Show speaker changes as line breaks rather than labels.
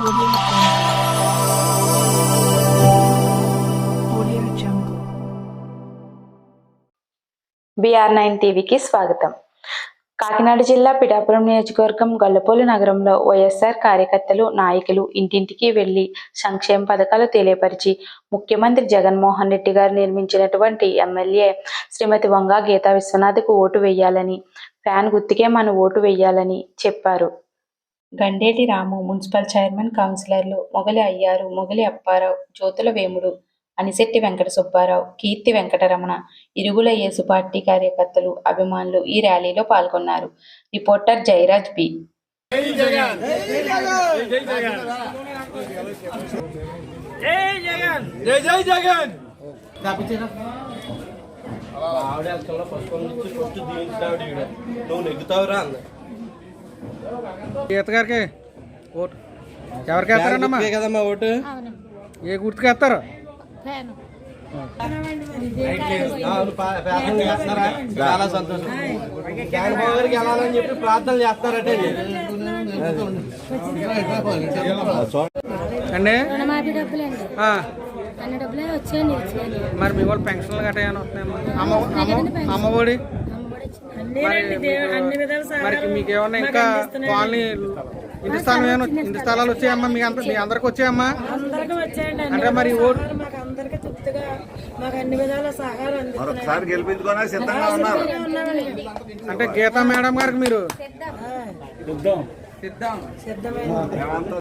BR9 టీవీకి స్వాగతం. కాకినాడ జిల్లా పిఠాపురం నియోజకవర్గం గొల్లపూడి నగరంలో వైఎస్ఆర్ కార్యకర్తలు, నాయకులు ఇంటింటికి వెళ్లి సంక్షేమ పథకాలు తెలియపరిచి ముఖ్యమంత్రి జగన్మోహన్ రెడ్డి గారు నిర్మించినటువంటి ఎమ్మెల్యే శ్రీమతి వంగా గీతా విశ్వనాథ్కు ఓటు వేయాలని, ఫ్యాన్ గుర్తుకే మన ఓటు వేయాలని చెప్పారు. గండేటి రాము, మున్సిపల్ చైర్మన్, కౌన్సిలర్లు మొగలి అయ్యారు, మొగలి అప్పారావు, జ్యోతుల వేముడు, అనిశెట్టి వెంకట సుబ్బారావు, కీర్తి వెంకటరమణ, ఇరుగుల యేసు పార్టీ కార్యకర్తలు, అభిమానులు ఈ ర్యాలీలో పాల్గొన్నారు. Reporter Jayaraj B.
గారికి ఓటు ఎవరికి వేస్తారన్నమ్మా? కదమ్మా ఓటు ఏ గుర్తుకు వేస్తారు? చాలా సంతోషం. జగన్మోహన్ గారికి వెళ్ళాలని చెప్పి ప్రార్థనలు చేస్తున్నారటే అండి. మరి మీ వాళ్ళు పెన్షన్లు గట్రా ఏమైనా వస్తున్నాయమ్మా? అమ్మఒడి మరి మీకేమన్నా ఇంకా కాలనీ ఇంటి స్థలాలు వచ్చాయమ్మా? మీ అందరికి వచ్చాయమ్మా? అంటే మరి ఓటు అంటే గీతా మేడం గారికి మీరు సిద్ధం